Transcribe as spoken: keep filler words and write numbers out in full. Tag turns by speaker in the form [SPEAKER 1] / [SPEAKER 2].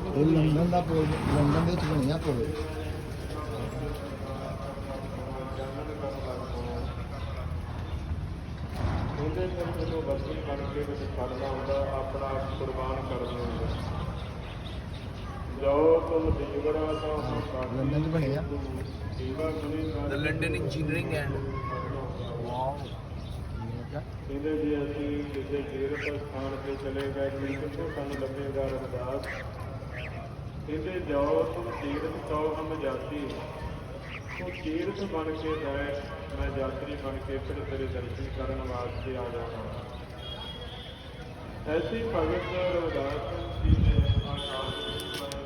[SPEAKER 1] ਇਹ ਲੰਡਨ ਦਾ ਪੁਲ, ਲੰਡਨ ਦੇ ਵਿੱਚ ਬਣਿਆ ਪੁਲ।
[SPEAKER 2] ਉਹਦੇ ਫਿਰ ਮੈਨੂੰ ਵਰਤੀ ਬਣ ਕੇ ਵਿੱਚ ਖੜਨਾ ਹੁੰਦਾ, ਆਪਣਾ ਆਪ ਕੁਰਬਾਨ ਕਰਨਾ ਹੁੰਦਾ। ਜੋ ਤੁਮ ਦੀਵੜਾ ਤਾਂ ਹੁਣ
[SPEAKER 1] ਲੰਡਨ 'ਚ ਬਣਿਆ
[SPEAKER 2] ਦੀਵਾ ਗੁਣੀ
[SPEAKER 3] The London Engineering and wow.
[SPEAKER 2] ਕਹਿੰਦੇ ਜੀ ਅਸੀਂ ਕਿਸੇ ਤੀਰਥ ਸਥਾਨ ਤੇ ਚਲੇ ਗਏ ਕਿ ਕਿੱਥੋਂ ਸਾਨੂੰ ਲੱਭੇਗਾ ਰਵਿਦਾਸ। ਕਹਿੰਦੇ ਜਾਓ ਤੁਮ ਤੀਰਥ ਕਹੋ ਹਮ ਜਾਤੀ, ਤੂੰ ਤੀਰਥ ਬਣ ਕੇ ਜਾਏ, ਮੈਂ ਯਾਤਰੀ ਬਣ ਕੇ ਫਿਰ ਤੇਰੇ ਦਰਸ਼ਨ ਕਰਨ ਵਾਸਤੇ ਆ ਜਾਣਾ। ਐਸੀ ਭਗਤ ਰਵਿਦਾਸ ਜੀ ਨੇ ਆਕਾਸ਼